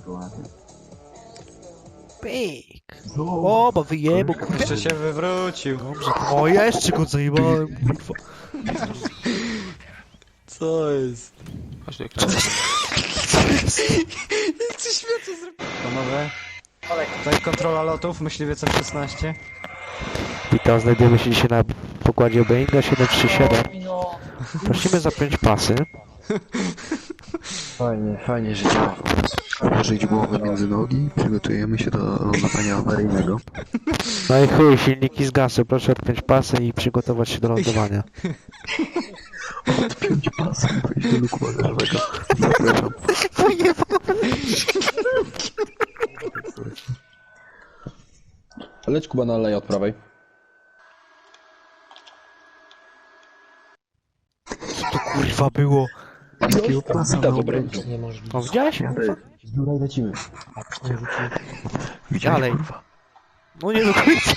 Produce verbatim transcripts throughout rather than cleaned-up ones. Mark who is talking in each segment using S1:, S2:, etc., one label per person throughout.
S1: Pyk. O, bo wyjebał, kurwa.
S2: Jeszcze się wywrócił.
S1: Dobrze, o, jeszcze go zajebałem, kurwa.
S2: Co jest?
S3: Chodź jak
S2: Coś świetnie zrobił. Panowie, tutaj kontrola lotów, myśliwiec F szesnaście.
S1: Witam, znajdujemy się dzisiaj na pokładzie Boeinga siedem trzy siedem. Prosimy zapiąć pasy.
S4: Fajnie, fajnie, że działa. Położyć głowę między nogi, przygotujemy się do lądowania awaryjnego.
S1: No i chuj, silniki zgasły, proszę odpiąć pasy i przygotować się do lądowania.
S4: Odpiąć pasem, wejść do luku bagażowego. Zapraszam.
S5: Leć Kuba na aleję od prawej.
S1: Co to kurwa było?
S4: Takiego pasa
S5: To
S4: na
S5: dobre.
S4: obręczu.
S1: O, widziałeś?
S5: Z biura i lecimy.
S4: Widziałeś,
S1: Dalej.
S4: kurwa?
S1: No nie do końca.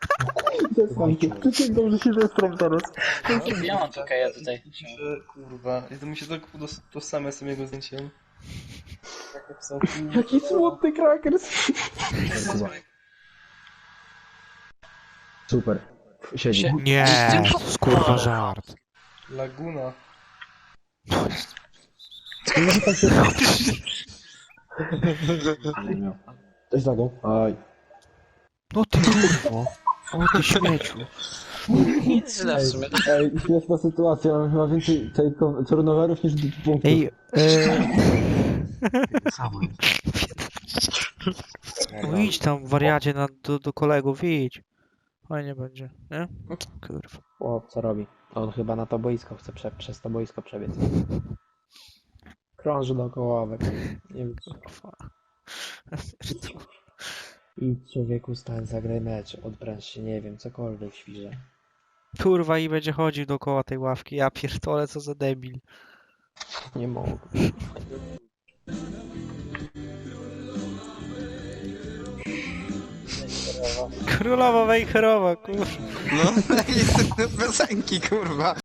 S5: Dobrze się zestram teraz.
S6: Ja mam tylko ja tutaj.
S7: Kurwa, ja to mi się tak udos- tożsame z tym jego zdjęciem. Jak napisał,
S5: Jaki smutny krakers. Super. Siedzi.
S6: Sie-
S1: Nie, to jest kurwa żart.
S7: Laguna.
S5: Coś zagą. Aj.
S1: No ty kurwo. O ty śmieciu.
S6: Nic źle w sumie.
S5: Ej, śmieszna sytuacja. Mam chyba więcej tej turnoverów niż punktów.
S1: Ej, e...
S4: Samo
S1: no idź tam wariacie na, do, do kolegów, idź. Fajnie będzie, nie? Kurwa.
S8: O, co robi? On chyba na to boisko chce prze przez to boisko przebiec. Krąży dookoła ławek. Nie wiem.
S1: Kurwa.
S8: Idź człowieku, stań, zagraj mecz, odpręż się, nie wiem, cokolwiek świże.
S1: Kurwa i będzie chodził dookoła tej ławki. Ja pierdolę, co za debil.
S8: Nie mogę.
S1: Królowa Wejherowa, kurwa.
S2: No, jest piosenki, kurwa.